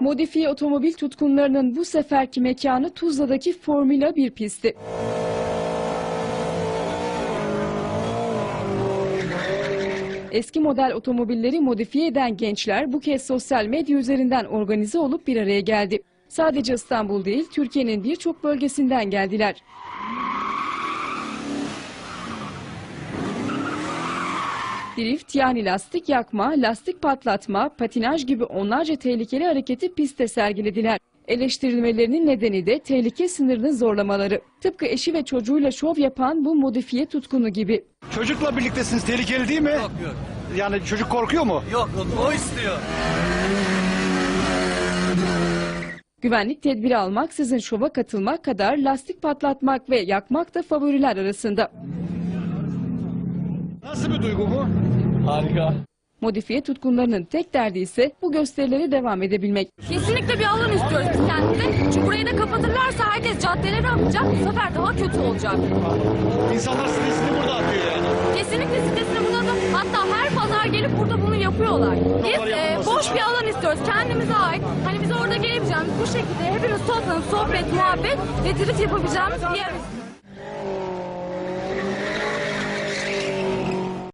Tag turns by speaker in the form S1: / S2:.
S1: Modifiye otomobil tutkunlarının bu seferki mekanı Tuzla'daki Formula 1 pisti. Eski model otomobilleri modifiye eden gençler bu kez sosyal medya üzerinden organize olup bir araya geldi. Sadece İstanbul değil, Türkiye'nin birçok bölgesinden geldiler. Drift yani lastik yakma, lastik patlatma, patinaj gibi onlarca tehlikeli hareketi pistte sergilediler. Eleştirilmelerinin nedeni de tehlike sınırını zorlamaları. Tıpkı eşi ve çocuğuyla şov yapan bu modifiye tutkunu gibi.
S2: Çocukla birliktesiniz, tehlikeli değil mi?
S3: Yok.
S2: Yani çocuk korkuyor mu?
S3: Yok, o istiyor.
S1: Güvenlik tedbiri almaksızın şova katılmak kadar lastik patlatmak ve yakmak da favoriler arasında.
S2: Nasıl bir duygu bu?
S3: Harika.
S1: Modifiye tutkunlarının tek derdi ise bu gösterilere devam edebilmek.
S4: Kesinlikle bir alan istiyoruz biz kendimize. Çünkü burayı da kapatırlarsa herkes caddelere akacak. Bu sefer daha kötü olacak.
S2: İnsanlar stresini burada atıyor yani.
S4: Kesinlikle sitesine burada da hatta her pazar gelip burada bunu yapıyorlar. Biz boş bir alan istiyoruz. Kendimize ait. Hani biz orada gelebileceğimiz bu şekilde hepimiz toplanıp sohbet, muhabbet ve drift yapabileceğimiz bir yer.